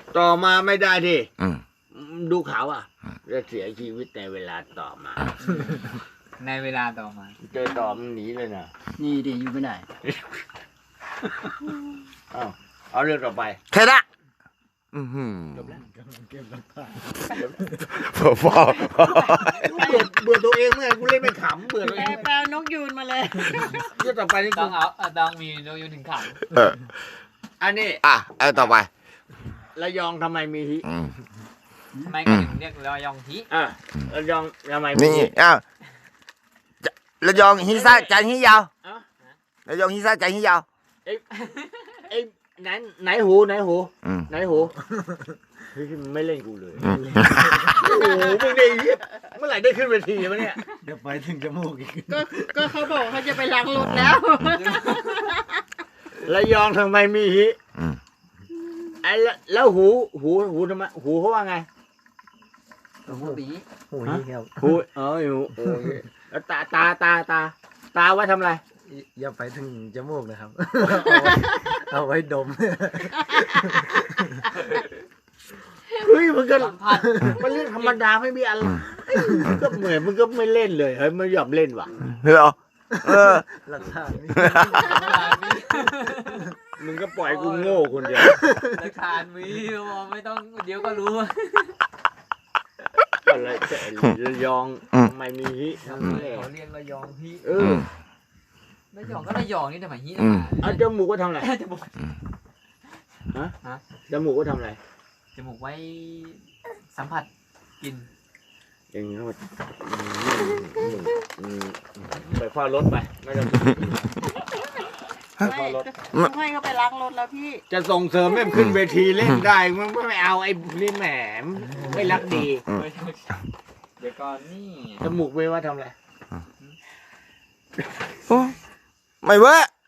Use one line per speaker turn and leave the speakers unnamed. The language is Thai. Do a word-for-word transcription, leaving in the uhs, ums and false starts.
ต่อมาไม่ได้ดิ
อืม
ดูเขาอ่ะจะเสียชีวิตในเวลาต่อมา
ในเวลาต่อมา
เจอต่อมันหนีเลยนะ
นี่ดิอยู่ไม่ได้
เอาเอาเรื่องต่อไป
แค่นั้นอือหือ
จบแล้วกำลังเก็บหลักฐาน
พอพอ
เบื่อเบื่อตัวเองเมื่อไงกูเล่นไม่ขำเบื่อตัว
แป
เอ
ล
ง
แปลนกยูนมาเลย
เรื่องต่อไปนี่
ต้
กู
องเอาเอาต้องมีโนยุนถึงขัง
เออ
อันนี้
อ่ะเอาต่อไประ
ยองทำไมมีฮิ
อืม
ทำไมเขาถึงเรียกรอยองฮิ
อ่ะระยองทำไมมี
นี่
ฮิ
อ้าวจะระยองฮิซ่าจันฮิยาว
อ่ะ
ระยองฮิซ่าจันฮิยาว
ไอ้ไอ้ไหนไหนหูไหนหู
อืม
ไหนหูเฮ้ยมันไม่เล่นกูเลยโอ้โหมึงได้เมื่อไหร่ได้ขึ้นเวทีวะเนี่ย
เดี๋ยวไปถึงจมูกอีก
ก็ก็เขาบอกเขาจะไปล้างรถแล้ว
ระยองทำไมมีฮิ
อืม
ไอ้แล้วแล้วหูหูหูทำไมหูเขาว่าไง
หูบี
หูนี่ครับ
หูเออหูโอ้ยแล้วตาตาตาตาตาไว้ทำอะไร
อย่าไปถึงจมูกนะครับ เอาไว้ดม
เฮ้ยมันก็
สัมผัส
มันเรื่องธรรมดาไม่มีอะไรมึงก็เหมือนมึงก็ไม่เล่นเลยเฮ้ยไม่ยอมเล่นว่ะ
เหรอเออ
หลักฐานนี่
มึงก็ปล่อยกูโง่คนเดียว
หลักฐานมีไม่ต้องเดี๋ยวก็รู้
อะไรแต่ระยองทำไมมีฮิ
ทำ
ทำ
ไม
ไม
เขาเรียกระยองฮิ
เอ
อื
อ
ม
ระยองก็ระยองนี่ทำไมฮิ
อืม
เอาจมูกก็ทำอะไร
จมูก
จมูกก็ทำอะไร
จมูกไว้สัมผัสกลิ่น
อย่างนี้ก็อืมอืมอืมไปเฝ้ารถไปไม่ต้องไปเฝ้ารถ
ต้องให้เขาไปล้างรถแล้วพี่
จะส่งเสริมให้มันขึ้นเวทีเล่นได้มันไม่เอาไอ้นี่แหมไม่รักดี
เดี๋ยวก่อนนี่
จมูกไม่ว่าทำอะไร
โอ้ไม่เว้ย